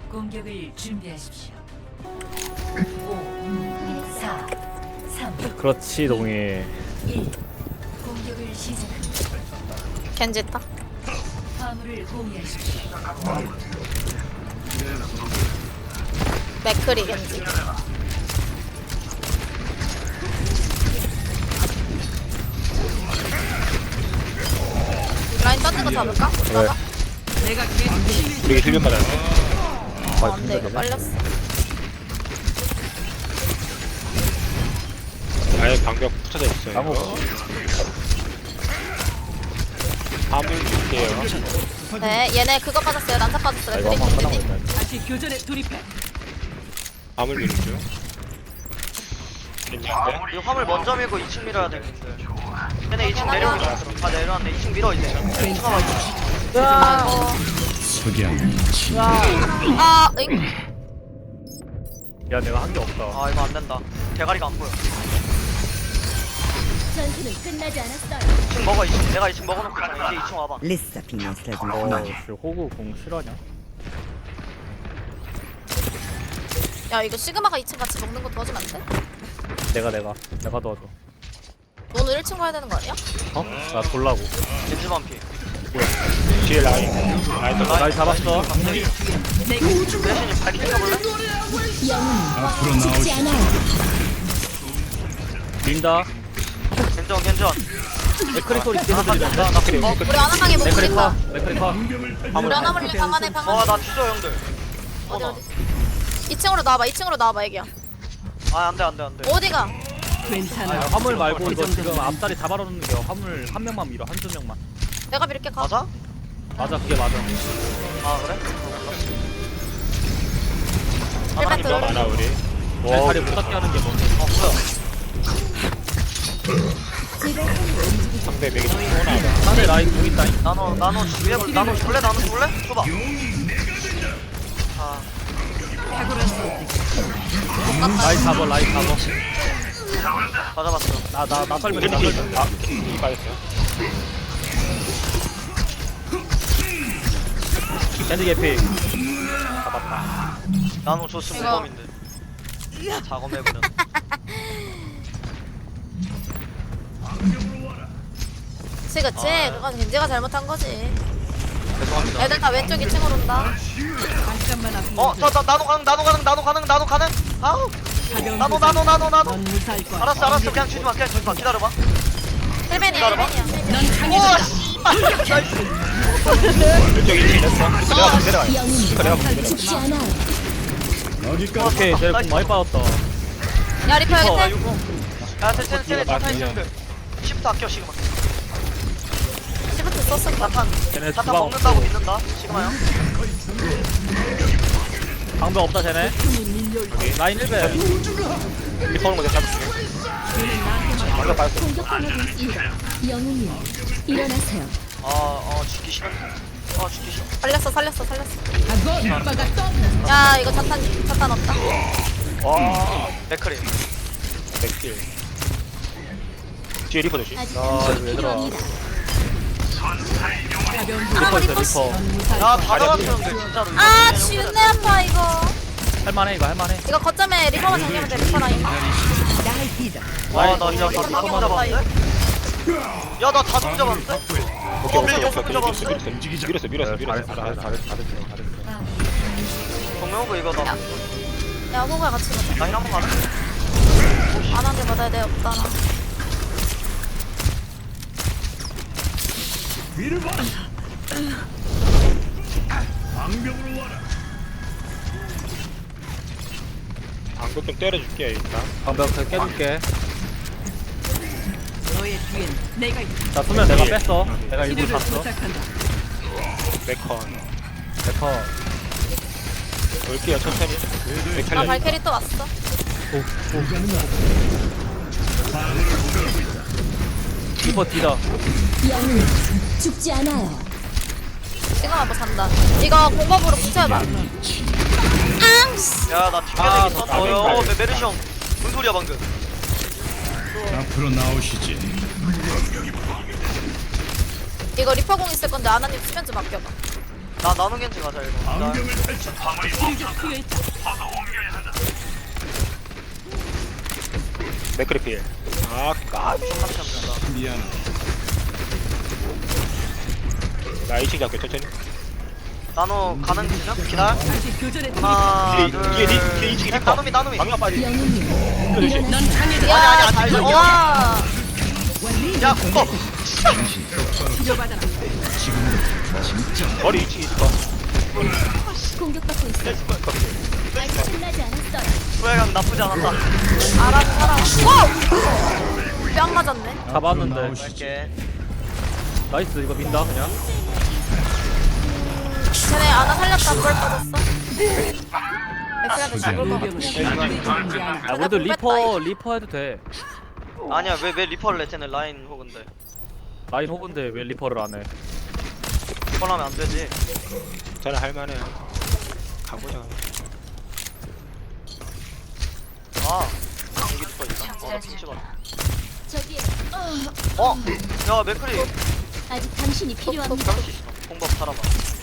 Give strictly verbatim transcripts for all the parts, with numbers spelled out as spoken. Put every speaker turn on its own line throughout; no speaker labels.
공격을 준비하십시오. 오, 사, 삼,
그렇지 동해.
일. 공격을 시작합니다.
겐지 있다.
화물을 공유하십시오.
맥크리 겐지. 라인 떴는 거 잡을까? 잡아?
우리 힐변 받았네.
어, 안돼 이거 빨렸어.
아예 방벽 붙여져 있어요.
나무.
화물 줄게요.
네 얘네 그거 빠졌어요. 난타 빠졌어요.
이거
맥크리
한번
겐지.
끝나고 있다.
다시 교전에 돌입해.
화물 미는 중. 괜찮은데?
이 화물 먼저 밀고 이 층 밀어야 되는데. 얘네 이 층 내려오기 전에 다 내려왔네. 이 층 밀어 이제. 이 층 가봐 이제.
어. 아, 응?
야 내가 한 게 없다.
아 이거 안 된다. 대가리가 안 보여.
전투는 끝나지 않았어요.
이 층 먹어 이 층. 내가 이 층 먹어놓고 있잖아. 이제 이 층 와봐.
Lista finestra di
어,
fuoco.
씨, 호구 공 실화냐?
야 이거 시그마가 이 층 같이 먹는 거 도와주면 안 돼?
내가 내가 내가 도와줘.
너는 일 층 가야 되는 거 아니야?
어? 나 돌라고.
겐지만 피.
뒤에 라인. 라인 더
날 잡았어.
대신님 발키 켜볼래?
영웅은 죽지 않아요.
민다.
겐전 겐전.
맥크리 소리 계속 들린다. 나 그래.
어 우리 하나방에 못
맥크리
부린다.
커. 맥크리 커.
우리 하나물리 방안에 방안에.
어나 뒤져 형들.
어디
어나.
어디? 이 층으로 나와봐. 이 층으로 나와봐 애기야.
아 안돼 안돼 안돼.
어디가?
아, 화물 말고 이거 지금 앞다리 잡아놓는 게 화물 한 명만 밀어. 한두 명만.
내가 이렇게 가.
맞아?
맞아 그게 맞아.
아 그래?
일반
더
들어.
많아 우리.
내 다리 못 닿게 하는 게 뭔데?
어 뭐야?
상대 맥이 좀 시원하다.
상대 라인 공 있다.
나노 나노 위에 나노 줄래 나노 줄래? 줘봐. 아
라인 잡어 라인 잡어.
맞아봤어.
나나 나 설명 나
힐
설명.
아, 힐 빠졌어요.
캔디 개피. 잡았다.
나노 줬으면
이거.
무범인데. 작업해보면.
그치 그치. 그건 겐지가 잘못한 거지.
죄송합니다.
애들 다 왼쪽 이 층으로 온다.
잠깐만 앞.
어, 저, 저, 나노 가능, 나노 가능, 나노 가능, 나노 가능. 아우, 나노, 나노, 나노, 나노.
넌 무사할 거야.
알았어, 알았어. 그냥 주지 마, 그냥 주지 마. 기다려봐.
헬벤이야
기다려봐.
헬벤이야.
넌
우와,
강해졌다.
씨발. 나이스.
왼쪽 일 층 됐어. 내가 내려가.
영웅은
내가 내려가.
죽지 않아요.
오케이 쟤 공 많이 빠졌다.
야 리퍼 여기
어,
태.
이거. 야, 쟤, 쟤, 쟤네 자탄 있는데. 시프트 아껴, 시그마.
시프트 썼어.
자탄.
쟤네
자탄
주방
먹는다고
없고.
믿는다, 시그마 형.
방벽 없다 쟤네. 라인 일 배.
리퍼는 거 내가 잡을게. 방벽 빠졌어.
공격당하고 있습니다. 영웅이요. 일어나세요.
아, 어, 죽기 싫어. 어, 죽기 싫어.
살렸어 살렸어 살렸어.
악어 오빠가 또.
야 이거 자탄 자탄 없다.
와.
맥크리.
맥킬. 뒤에 리퍼 조심.
아직
아,
당신이
얘들아.
필요합니다.
가벼운
리퍼 있어
리퍼
리퍼.
넌 무사할
야,
거야.
다 잡았었는데, 진짜로. 이거
아
그냥
쥐은내 아파 이거.
할만해 이거 할만해.
이거 거점에 리퍼만 정리하면 돼 리퍼 라인.
와, 나 진짜 다 좀 잡았는데? 야, 나 다 좀 잡았는데?
오케이
어,
오케이
여섯
오케이.
명
밀었어
잡았는데?
밀었어 밀었어 밀었어 밀었어.
잘했어 잘했어 잘했어 잘했어 잘했어.
정명호 이거 나,
야 호구야 같이 가자.
나 힐 한번 가자.
안한테 받아야 돼 없다 나.
방벽 좀 때려줄게 일단.
방벽 더 깨줄게.
너의 뒤엔 내가 있다.
자 수면 내가 뺐어. 내가 일부
치료를
샀어.
부탁한다.
맥컨.
데커.
올게요 천천히.
나
맥칼리.
발캐리 또 왔어.
리퍼 뒤다.
영웅은 죽지 않아요.
지금 한번 산다. 이거 공법으로 붙여봐. 앙!
야, 나
아,
뒷면에
너
있었어. 어,
나가니까.
메- 메르시 형. 무슨 소리야, 방금?
앞으로 나오시지.
이거 리퍼공 있을 건데 아나님 수면 좀 아껴봐.
나 나노 겐지 가자 이거. 나
치료제 투여했다.
맥크리 필. 아, 까.
똑같이 하면 된다.
미안.
나 이 층 잡게 천천히.
나노 가는 중이야? 기다려.
다시 교전에
하나,
뒤에,
둘,
뒤에 니- 뒤에 이 층이
셋.
있어.
나노미 나노미.
방금 빠지.
영웅님
넌
일어나세요.
강해졌다.
야,
아니, 아니,
잘
아니,
와.
야 그거.
치료받아라.
머리 이 층 있어.
공격받고 있어. 아직 끝나지 않았어요.
후회감 나쁘지 않았다.
알아서 살아. 와! 뺨 맞았네.
잡았는데.
이렇게.
나이스 이거 민다 그냥.
쟤네 아나 살렸다. 뭘 빠졌어? 맥크리한테 죽을 것 같아.
무병은 죽지 않아.
아 우리도 리퍼 리퍼 해도 돼.
아니야 왜 왜 리퍼를 내? 쟤는 라인 호근데.
라인 호근데 왜 리퍼를 안 해?
리퍼를 하면 안 되지.
저는 할만해. 가보자.
아 여기 리퍼 있다. 어나 핀 찍었다.
저기에
어? 야 맥크리.
아직 당신이 필요합니다.
잡을 수 있어. 공법 살아봐.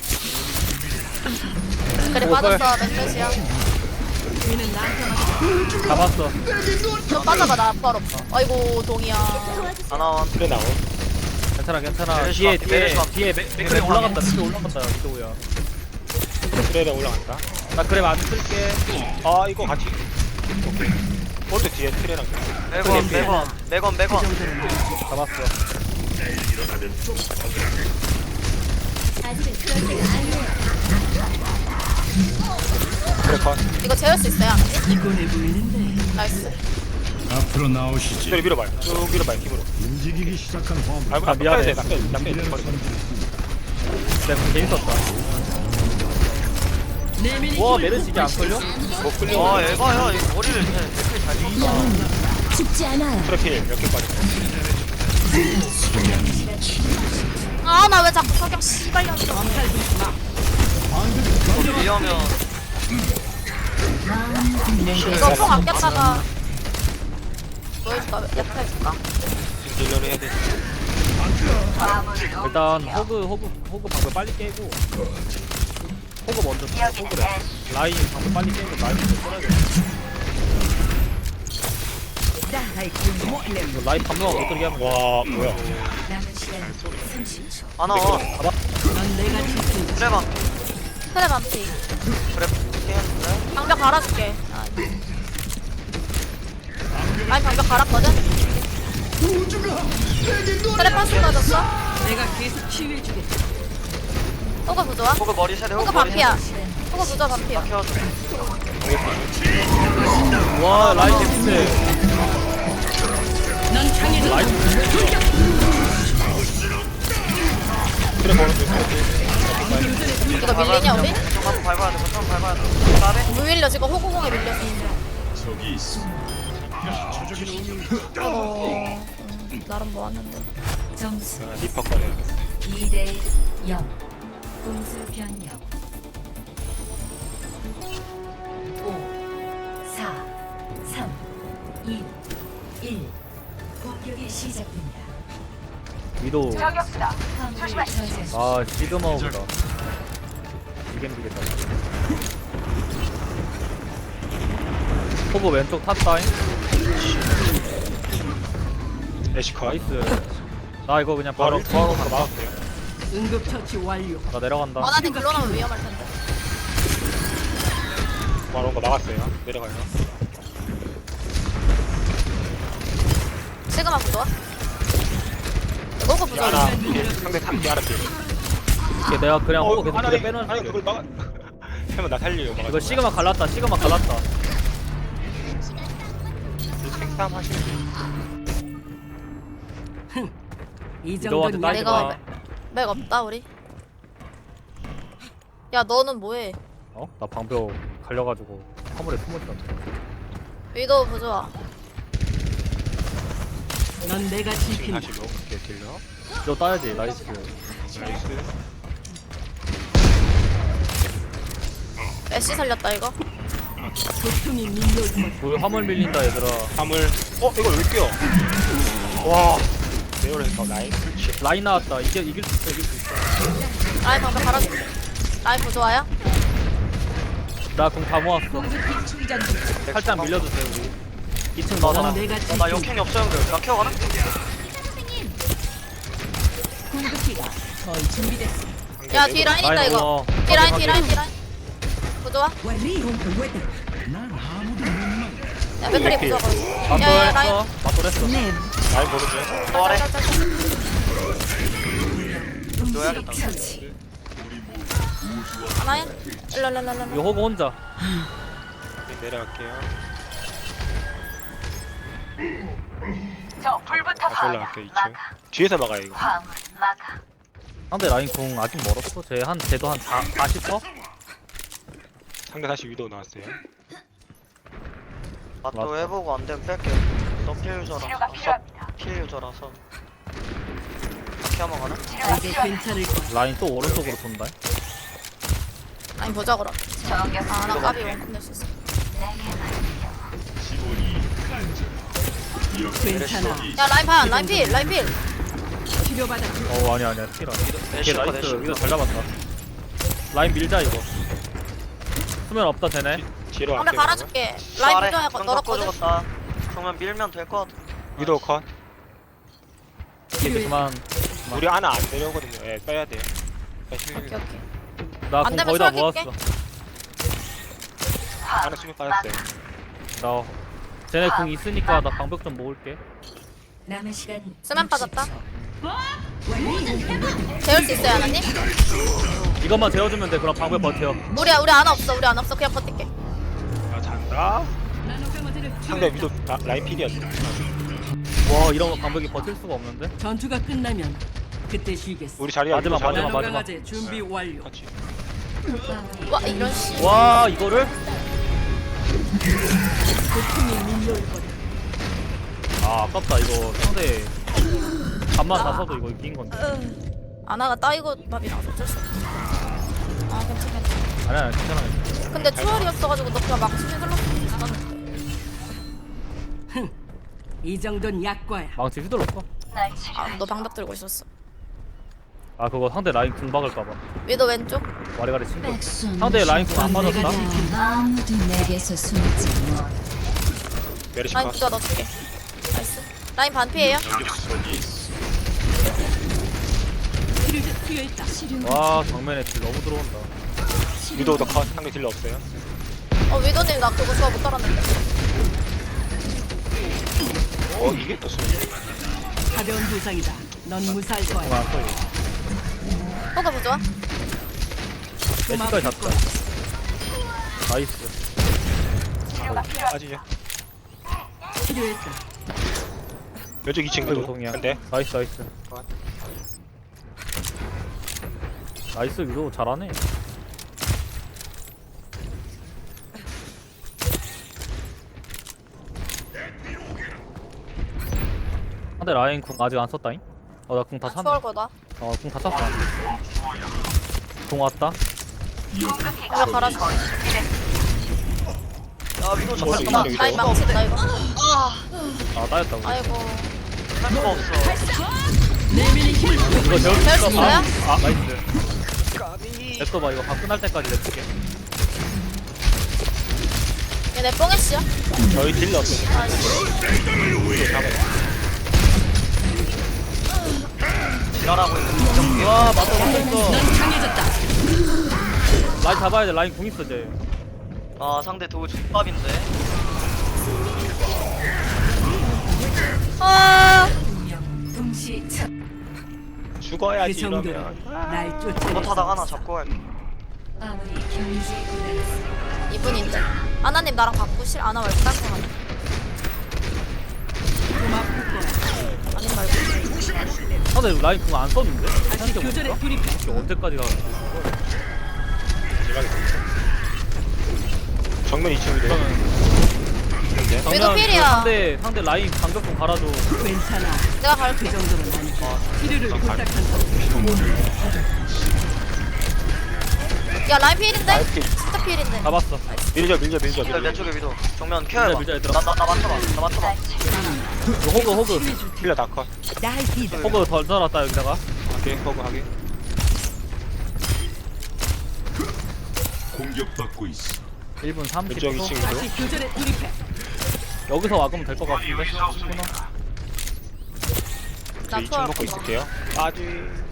그래 빠졌어. 맥크리야.
얘는 나한테 맡겨.
잡았어.
좀 빠져봐. 나 부활 없어. 아이고 동이야.
하나원.
그래 나오.
괜찮아 괜찮아.
메르시
뒤에
맞게,
뒤에
메르시 맞게.
뒤에 맥- 맥크리
메르시
올라간다.
맞게.
맥크리 올라간다. 위도우야.
그래 나 올라간다.
나 그래 안 쓸게.
아 이거 같이. 오케이. 오른쪽 뒤에 트레랑.
매건 매건 매건 매건.
잡았어.
아직은 그럴 때가 아니에요.
그래 컷.
이거 재울 수 있어요?
피곤해 보이는데.
나이스.
앞으로 나오시지.
저리 밀어봐요. 쭉 밀어봐요 힘으로.
움직이기 시작한 화물.
아,
아,
아
미안해.
미안해. 낚여 낚여 버려.
내가 재밌었다.
내 미니
와 메르시 이게 안 걸려?
못 끌려.
와 에바야 이거 머리를 쟤 맥크리 잘 쳤다.
영웅님 죽지 않아요.
트래필 몇개 빠졌어.
아 나 왜 자꾸 석양 씨발년 쳐.
위하면
이거 뽕 아꼈다가 뭐 해줄까? 옆에 해줄까?
딜러를 해야 돼.
일단 호그 호그 호그 방금 빨리 깨고. 호그 먼저 써. 호그래. 라인 방금 빨리 깨고 라인 먼저 써야 돼. 이거 라인 방금 못 들게 하면 돼.
와 뭐야.
하나원.
넌 내가 지킨
그래 반.
그래 반피.
그래 피했는데.
방벽 갈아줄게. 아, 아니 방벽 갈았거든? 그래 파스 맞았어?
내가 계속 치유해주겠다.
호그 부조화?
호그 머리 세대
호그
호그 머리
반피야.
세대.
호그 부조화 반피야.
키워줘.
와 라인 개피네.
넌 강해졌다.
라인
트래 보는 중.
이거 밀리냐 우리?
좀 한번 밟아야 돼. 좀 밟아야 돼. 나네.
물 밀려 지금 호구공에 밀려서.
저기 있어.
어... 음, 나름 모았는데.
점수
아, 리퍼 꺼내.
이 대 영. 공수 변경. 오, 사, 삼, 이, 일. 공격이 시작됩니다.
위도.
화물을 저지하십시오.
아 시그마우보다. 이게 힘들겠다. 호그 왼쪽 탑다인.
애쉬컷.
나이스. 나 이거 그냥 바로
바로 바로 바로 막을게요.
응급처치 완료.
나 내려간다.
원하는 글로 나면 위험할 텐데.
바로 온거 막았어요. 내려가요.
시그마 부조화? 호그 부조화.
하나 필. 상대 탑 하나 필.
이게 내가 그냥 호그 계속
하나
그래 빼는.
아니 그걸 막아. 해면 나 살려요. 막아.
이거 시그마 갈랐다. 시그마 갈랐다.
생싸움 하시면 돼.
이
너한테
정도는
따지
내가
마.
맥, 맥 없다 우리. 야 너는 뭐해?
어? 나 방벽 갈려가지고 화물에 숨어있었는데.
위도우 부조화.
넌 내가
지금
지킨다.
다시 먹을게 딜러.
이거 따야지. 나이스.
나이스.
애쉬 살렸다 이거.
고통이 밀려올 것.
우리 화물 밀린다 얘들아.
화물. 어 이걸 왜 끼워? 와. 내열에서 나인.
라인 나왔다. 이게 이길 수 있어. 이길 수 있어.
아이 방벽 갈아줄게. 라인 부좋아요?
나 공 다 모았어. 살짝 밀려주세요 우리. 이 층
나, 나,
넣어놔.
내가
어, 나 역행이 없어 형들. 나 케어 가나?
궁극기가 거의 준비됐어.
야 뒤 라인 있다
라인
이거.
어.
뒤 라인 뒤 라인 뒤 라인. 부좋아? 야 맥크리 부좋아 거기. 야야 라인.
맞돌했어. 맞돌했어.
라인 보여줘.
또 아래.
짤짤짤.
넣어야겠다.
하나야? 일로 일로 일로
이거
일로.
호그 혼자.
내려갈게요. 다시 올라갈게요. 이 층. 뒤에서 막아요 이거.
상대 라인 공 아직 멀었어. 쟤한 쟤도 한 사십 퍼?
상대 다시 위도 나왔어요.
맛도
맞다.
해보고 안 되면 뺄게. 너 피해 유저라서. 피해 유저라서. 바퀴 한번 가나?
이제 괜찮을 거야.
라인 또 오른쪽으로 돈다.
라인 보자 그럼. 아나 까비 원컵 낼수 있어.
괜찮아.
야 라인 반 라인 필 라인 필.
치료받아.
어 아니야 아니야 티라. 걔
애쉬 컷,
나이스.
애쉬
이거
컷.
잘 잡았다. 라인 밀자 이거. 수면 없다 되네.
뒤로
상대
갈게요.
갈아줄게. 라인
아래.
부좋아
좀
널었거든.
꺾어주겠다. 정면 밀면 될 것 같아.
위도 컷.
이제 그만.
우리 하나 안 내려오거든요. 예, 빼야 돼요.
오케이 오케이.
나
안
공
되면
거의 다
수학할게.
모았어.
하나 수면 빠졌어요.
나 쟤네 공 있으니까 나 방벽 좀 모을게.
남은 시간
수면 빠졌다. 재울 수 있어요 하나님?
이것만 재워주면 돼. 그럼 방벽 버텨.
우리 우리 안 없어 우리 안 없어 그냥 버틸게.
아 잔다. 상대 위도 아, 라인 필이었네.
와 이런 거 방벽이 버틸 수가 없는데.
전투가 끝나면 그때 쉬겠어.
우리 자리야.
마지막,
위도 자리야.
마지막.
나노 강화제 준비 완료.
같이.
와 이런 씨.
와 이거를?
고통이 밀려올 거야.
아 아깝다 이거 상대 간만 다 써도 이거 이긴 건데.
아나가 따이고 밥이랑 어쩔 수 없어. 아 괜찮아.
아니야 아니야, 괜찮아. 괜찮아.
근데 추월이었어가지고 너 그냥 막 수비 흘렀으면 죽었는데.
이 정도는 약과야.
망치 휘둘렀어.
아너 방벽 들고 있었어.
아 그거 상대 라인 궁 박을까봐.
위도 왼쪽.
와리가리 친거. 상대 라인 궁 안 맞았다.
아무도 내게서 숨지 못.
메르시
라인
컷.
부자 넣어줄게. 나이스. 라인 반피에요?
치료제 투여했다.
와 정면에 딜 너무 들어온다.
위도도 컷. 상대 딜러 없어요.
어 위도님 나 그거 좋아 못 따랐는데.
어 이게 또 수면.
가벼운 부상이다. 넌 무사할
공
거야.
안 써요.
호가 부좋아?
애쉬까지 잡자. 나이스.
빠지죠.
치료했다.
왼쪽 이 층
그리고
위도.
동이야.
근데
나이스 나이스.
컷.
나이스 위도 잘하네. 상대 라인 궁 아직 안 썼다잉? 어 나 궁 다
아,
찼네.
추월 거다.
어궁 다 찼어. 궁 왔다.
이거 갈아줘.
야 위도
어디
잠깐만.
있어, 위도?
라인 망치다 이거.
아 따였다고.
아이고.
할 수가 없어.
이거 재울 수
재울 수
있어? 아,
있어요?
아 나이스. 됐어 봐 이거 방 끝날 때까지 냅둘게.
얘내 뽕했어.
저희 딜러 없어요.
지랄하고 있는
와 맞다 맞다 있어.
강해졌다.
라인 잡아야 돼. 라인 궁 있어 쟤.
아 상대 도우 족밥인데.
아.
운명 동시 첫
그
죽어야지
정도로
이러면.
날 쫓아낼
못하다가 하나
수 없어.
잡고 갈게.
아무리 경제에 고달했어
이분인데. 아나님 나랑 바꾸실? 아나 말고 딴 거 하나.
좀 아플 거야.
아님 말고.
상대 라인 궁 안 썼는데?
다시 교전에 돌입해.
이게 언제까지 가는
대박이다. 정면 이 층 위도. 근데
위도 필이야.
상대 상대 라인 방벽 좀 갈아줘.
괜찮아.
내가
그
갈게.
정도는 아니야. 치료를 부탁한다.
야 라인 필인데?
라인 필.
진짜 필인데.
잡았어.
밀죠 밀죠 밀죠
내, 내
밀죠.
쪽에 위도. 정면 케어해봐.
밀자, 밀자, 얘들아.
나, 나, 나 맞춰봐. 나 맞춰봐.
이거 호그 호그
딜러 다 컷.
호그 덜 덜었다 여기다가.
오케이 허그 하게.
공격받고 있어.
일 분 삼십 초.
왼쪽 이 층으로.
다시 교전에 돌입해.
여기서 와보면 될 것 같은데. 스쿠너.
저 이 층
투어
먹고 있을게요. 빠지.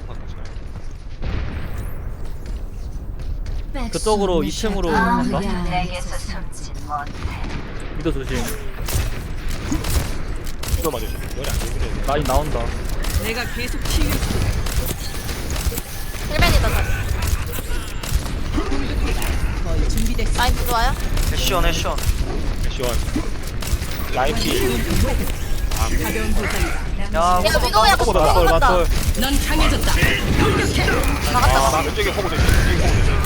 그쪽으로 이 층으로 간다.
내게서 숨지 못해.
미도 조심.
이거 맞아. 머리 안 되면
라인 나온다.
내가 계속 치유.
힐맨이다 다시.
거의 준비됐어.
라인 부좋아요?
애쉬원 애쉬원.
시원. 라인 피.
가벼운 도전이다.
야
얘가
호구
위도우 약간
호구 맞돌
쏘고 간다.
맞돌.
넌 강해졌다. 공격해.
나갔다.
아, 왼쪽에 호구 되지. 왼쪽에 호구 되지.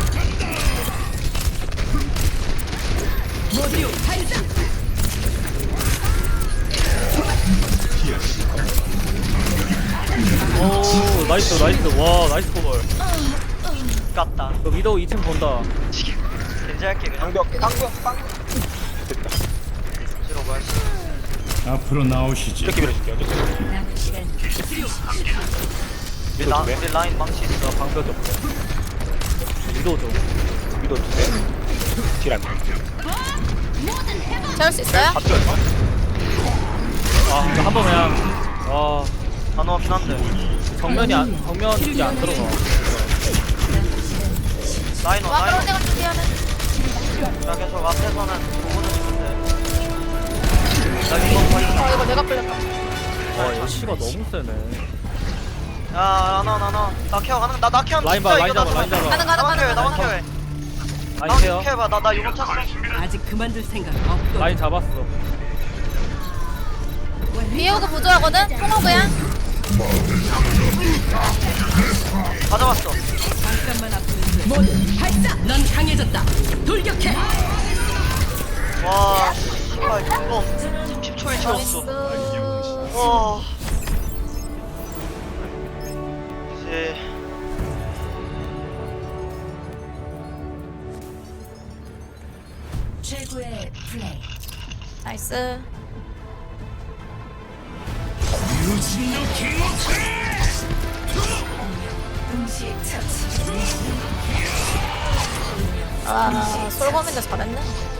모두 발사.
오 나이스 나이스. 와 나이스 포벌.
깠다.
그 미도 이 층 본다.
견제할게 그냥.
방벽 방벽 방벽. 됐다.
싫어 뭐야.
앞으로 나오시지.
이렇게 밀어줄게요. 어쩔 수 없어.
남은 시간
우리
미도
라
두 대.
우리 라인 망치 있어.
방벽이 없어. 미도 좀.
미도 두 대. 딜안 돼.
채울 수 있어요?
봤죠?
아 이거 한번 그냥. 와
안 오긴 한데.
정면이 안 정면 이게 안 들어가.
라인 오
와
라인
그런 데가 준비하네.
오. 야 계속 앞에서는 보고는 있는데. 나 이거 거의.
어 이거 내가 끌렸다.
와 애쉬가 너무 세네.
야 안와 안와. 나 케어 가능. 나나 케어.
라인 봐, 라인 잡아, 라인 잡아.
가는 가는
나만 케어해
가는
나만
가는.
케어해.
라인
나만
케어.
케어해봐. 나나 이거 찼어.
아직 그만둘 생각 없고.
라인 잡았어.
비오고 부조하거든. 통오브야.
가져왔어.
잠깐만 앞으로 모두 발사. 넌 강해졌다. 돌격해.
와 씨발 이거 삼십 초에 채웠어.
나이스.
와. 이제
최고의 플레이.
나이스.
동시 처치.
아 솔범인데 잘했네.